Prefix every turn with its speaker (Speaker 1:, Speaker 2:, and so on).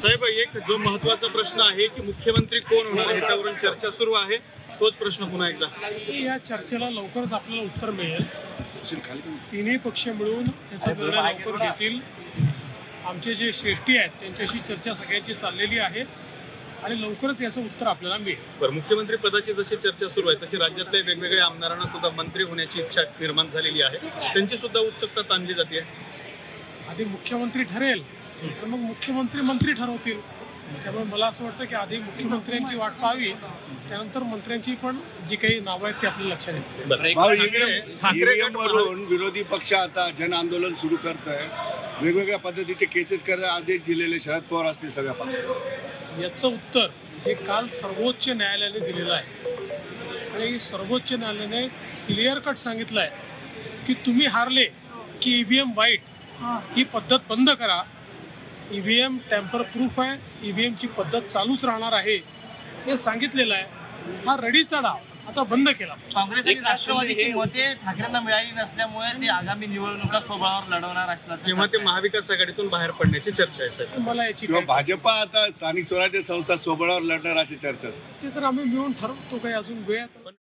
Speaker 1: साहेब, एक जो महत्त्वाचा प्रश्न आहे की मुख्यमंत्री कोण होणार याच्यावरून चर्चा सुरू आहे, तोच प्रश्न पुन्हा एकदा.
Speaker 2: या चर्चेला लवकरच आपल्याला उत्तर मिळेल. तिन्ही पक्ष मिळून त्याचा निर्णय लवकर घेतील. आमचे जे श्रेष्ठी आहेत त्यांच्याशी चर्चा सगळ्यांची चाललेली आहे आणि लवकरच याचं उत्तर आपल्याला मिळेल.
Speaker 1: बरं, मुख्यमंत्री पदाची जशी चर्चा सुरू आहे तशी राज्यातल्या वेगवेगळ्या आमदारांना सुद्धा मंत्री होण्याची इच्छा निर्माण झालेली आहे, त्यांची सुद्धा उत्सुकता ताणली जाते.
Speaker 2: आधी मुख्यमंत्री ठरेल तर मग मुख्यमंत्री मंत्री ठरवतील. त्यामुळे मला असं वाटतं की आधी मुख्यमंत्र्यांची वाट पाहावी, त्यानंतर मंत्र्यांची पण जी काही नावं आहेत ती आपल्या लक्षात येतील.
Speaker 3: वरून विरोधी पक्ष आता जन आंदोलन सुरू करत आहे, वेगवेगळ्या पद्धतीचे केसेस करायला आदेश दिलेले शरद पवार असतील सगळ्या पक्षाला.
Speaker 2: याचं उत्तर हे काल सर्वोच्च न्यायालयाने दिलेलं आहे आणि सर्वोच्च न्यायालयाने क्लिअर कट सांगितलं आहे की तुम्ही हारले की ईव्हीएम वाईट ही पद्धत बंद करा. ईव्हीएम टॅम्पर प्रूफ आहे, ईव्हीएम ची पद्धत चालूच राहणार आहे हे सांगितलेलं आहे. हा रडीचा डाव आता बंद केला.
Speaker 4: काँग्रेस आणि राष्ट्रवादीची मते ठाकरेंना मिळाली नसल्यामुळे ते आगामी निवडणुका स्वबळावर लढवणार असल्याचं
Speaker 1: किंवा ते महाविकास आघाडीतून बाहेर पडण्याची चर्चा आहे साहेब.
Speaker 2: मला याची
Speaker 3: किंवा भाजपा आता स्थानिक स्वराज्य संस्था स्वबळावर लढणार अशी चर्चा.
Speaker 2: ते तर आम्ही मिळून ठरवतो. काही अजून वेळ